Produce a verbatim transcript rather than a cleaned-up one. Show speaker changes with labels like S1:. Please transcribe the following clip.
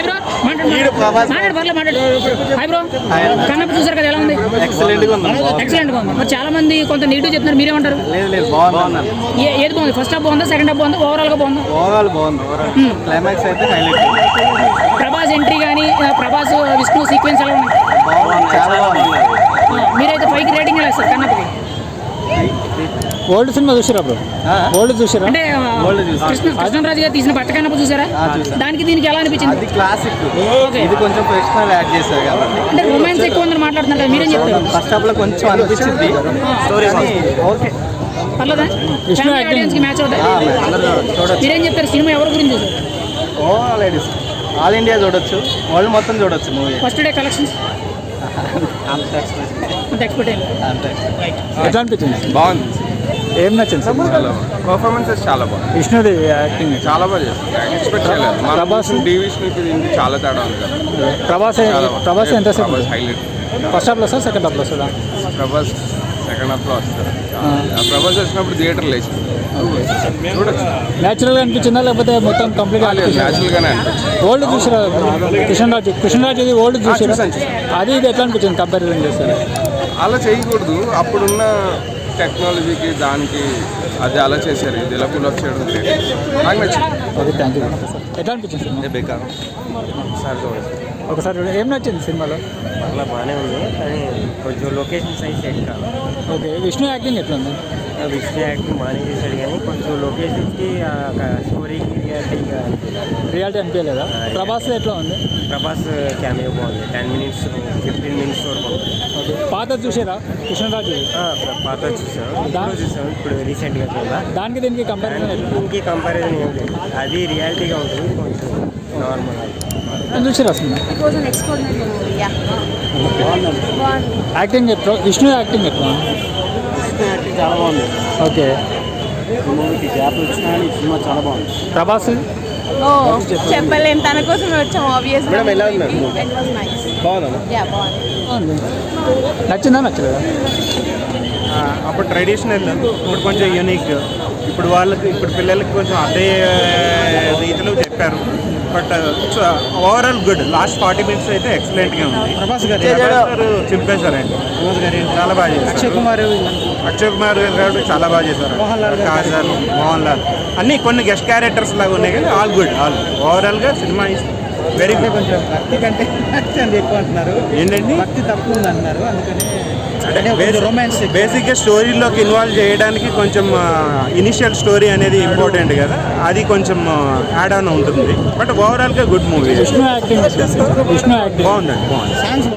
S1: Hi bro మాట్లాడు పర్లేదు మాట్లాడు. హాయ్ బ్రో కన్నప్ప చూసారు కదా, ఎలా ఉంది?
S2: ఎక్సలెంట్ గా ఉంది.
S1: ఎక్సలెంట్ గా ఉంది. మరి చాలా మంది కొంత నెగిటివ్ చెప్తున్నారు, మీరేమంటారు?
S2: లేదు లేదు బాగుంది.
S1: ఏది బాగుంది? ఫస్ట్ హాఫ్ బాగుందా, సెకండ్ హాఫ్ బాగుందా, ఓవరాల్ గా బాగుందా?
S2: ఓవరాల్ బాగుంది. క్లైమాక్స్ అయితే హైలైట్.
S1: ప్రభాస్ ఎంట్రీ కానీ ప్రభాస్ విష్ణు సీక్వెన్స్ ఎలా ఉంది?
S2: చాలా బాగుంది.
S1: మీరైతే పైకి రేటింగ్ ఎలా ఇస్తారు కన్నప్పకి?
S3: ఓల్డ్ సినిమా చూసారా బ్రో? ఓల్డ్ చూసారా?
S1: అంటే కృష్ణ కృష్ణరాజు గారు తీసిన పట్టకన్నప్ప చూసారా? దానికి దీనికి ఎలా అనిపించింది?
S2: అది క్లాసిక్, ఇది కొంచెం ప్రొఫెషనల్ యాడ్ చేశారు కాబట్టి.
S1: అంటే రొమాన్స్ ఎక్కువ ఉందని మాట్లాడుతున్నారు కదా, మీరేం చెప్తారు?
S2: ఫస్ట్ హాఫ్ లో కొంచెం అనిపించింది స్టోరీ ఓకే
S1: పర్లేదా? ఫ్యామిలీ ఆడియన్స్ కి మ్యాచ్ అవుతాయి. మీరేం చెప్తారు? సినిమా ఎవరి గురించి చూసారు?
S2: ఓవరాల్ లేడీస్ ఆల్ ఇండియా చూడొచ్చు, వరల్డ్ మొత్తం చూడొచ్చు మూవీ.
S1: ఫస్ట్ డే కలెక్షన్స్
S2: అంత
S1: అంత ఎక్స్పెక్ట్ అయ్యింది.
S3: ఎట్లా అనిపించింది?
S4: బాగుంది.
S3: ఏం నచ్చింది?
S4: పర్ఫార్మెన్సెస్ చాలా బాగుంది.
S3: విష్ణుదేవి యాక్టింగ్
S4: చాలా బాగా చేస్తారు. ఎక్స్పెక్ట్ చేయలేదు. ప్రభాస్ డివిజన్ ఇది చాలా తేడా ఉంది కదా.
S3: ప్రభాస్ ప్రభాస్ ఎంత
S4: ప్రభాస్ హైలైట్.
S3: ఫస్ట్ హాఫ్లో వస్తా, సెకండ్ హాఫ్లో వస్తుందా?
S4: ప్రభాస్ సెకండ్ హాఫ్లో వస్తారు. ప్రభాస్ వచ్చినప్పుడు థియేటర్ లేచి చూడొచ్చు.
S3: న్యాచురల్గా అనిపించిందా లేకపోతే మొత్తం కంప్లీట్
S4: న్యాచురల్గానే అనిపించింది.
S3: ఓల్డ్ చూసారా? కృష్ణరాజు కృష్ణరాజు ఇది ఓల్డ్ చూసారా? అది ఇది ఎట్లా అనిపించింది కంపారిజన్ చేస్తారు?
S4: అలా చేయకూడదు. అప్పుడున్న టెక్నాలజీకి దానికి అది అలా చేశారు, ఇది ఇలా పుల్ అప్ చేయడం నాకు నచ్చింది.
S3: Okay thank you. ఎట్లా అనిపించింది సినిమా?
S2: బేకార్
S4: ఒకసారి చూడొచ్చు.
S3: ఒకసారి చూడండి. ఏం నచ్చింది సినిమాలో?
S5: అలా బాగానే ఉంది, కానీ కొంచెం లొకేషన్ సైజ్ సెట్ కాదు.
S3: ఓకే విష్ణు యాక్టింగ్ ఎట్లా ఉంది?
S5: విష్ణు యాక్టింగ్ బాగానే చేశాడు, కానీ కొంచెం లొకేషన్స్కి స్టోరీకి రియాలిటీగా
S3: రియాలిటీ అనిపించలేదా? ప్రభాస్ ఎట్లా ఉంది?
S5: ప్రభాస్ క్యామియో బాగుంది. టెన్ మినిట్స్ ఫిఫ్టీన్ మినిట్స్ వరకు.
S3: ఓకే పాత చూసారా కృష్ణరాజు?
S5: పాత చూసాను, ఇప్పుడు చూసాను, ఇప్పుడు రీసెంట్గా చూడా.
S3: దానికి దీనికి కంపారిజన్ ఎట్లా?
S5: దీనికి కంపారిజన్ ఏం లేదు, అది రియాలిటీగా ఉంటుంది, కొంచెం నార్మల్.
S3: చూసారా cinema?
S6: It was an extraordinary movie, yeah. బాగుంది.
S3: యాక్టింగ్ ఎట్లా? విష్ణు యాక్టింగ్ ఎట్లా?
S2: యాక్టింగ్ చాలా బాగుంది.
S3: ఓకే
S2: మూవీకి గ్యాప్ వచ్చినా ఈ సినిమా చాలా బాగుంది.
S3: ప్రభాస్
S6: ఓ చెప్పలేం, తన కోసం వచ్చాం ఆబ్వియస్లీ.
S2: మేడం ఎలా ఉన్నారు?
S6: It was nice.
S2: బాగుందా?
S6: యా బాగుంది.
S3: నచ్చిందా నచ్చలేదా?
S7: అప్పుడు ట్రెడిషనల్, ఇప్పుడు కొంచెం యూనిక్. ఇప్పుడు వాళ్ళకి ఇప్పుడు పిల్లలకి కొంచెం అదే రీతిలో చెప్పారు. But overall good. Last forty minutes అయితే ఎక్సలెంట్గా ఉంది. ప్రభాస్ గారు చింపేశారండి. చాలా బాగా చేశారు. అక్షయ్ కుమార్ అక్షయ్ కుమార్ గారు చాలా బాగా చేశారు. కాజల్, మోహన్ లాల్ అన్నీ కొన్ని గెస్ట్ క్యారెక్టర్స్ లాగా ఉన్నాయి, కానీ ఆల్ గుడ్. ఆల్ ఓవరాల్గా సినిమా ఇస్ వెరీ గుడ్.
S2: కొంచెం భక్తి కంటే ఎక్కువ అంటున్నారు
S7: ఏంటండి,
S2: భక్తి తక్కువ ఉంది అంటున్నారు, అందుకని
S7: రొమాన్స్ బేసిక్గా స్టోరీలోకి ఇన్వాల్వ్ చేయడానికి కొంచెం ఇనిషియల్ స్టోరీ అనేది ఇంపార్టెంట్ కదా, అది కొంచెం యాడ్ ఆన్ ఉంటుంది. బట్ ఓవరాల్గా good movie.
S3: Vishnu acting Vishnu acting
S7: బాగుందండి, బాగుంది.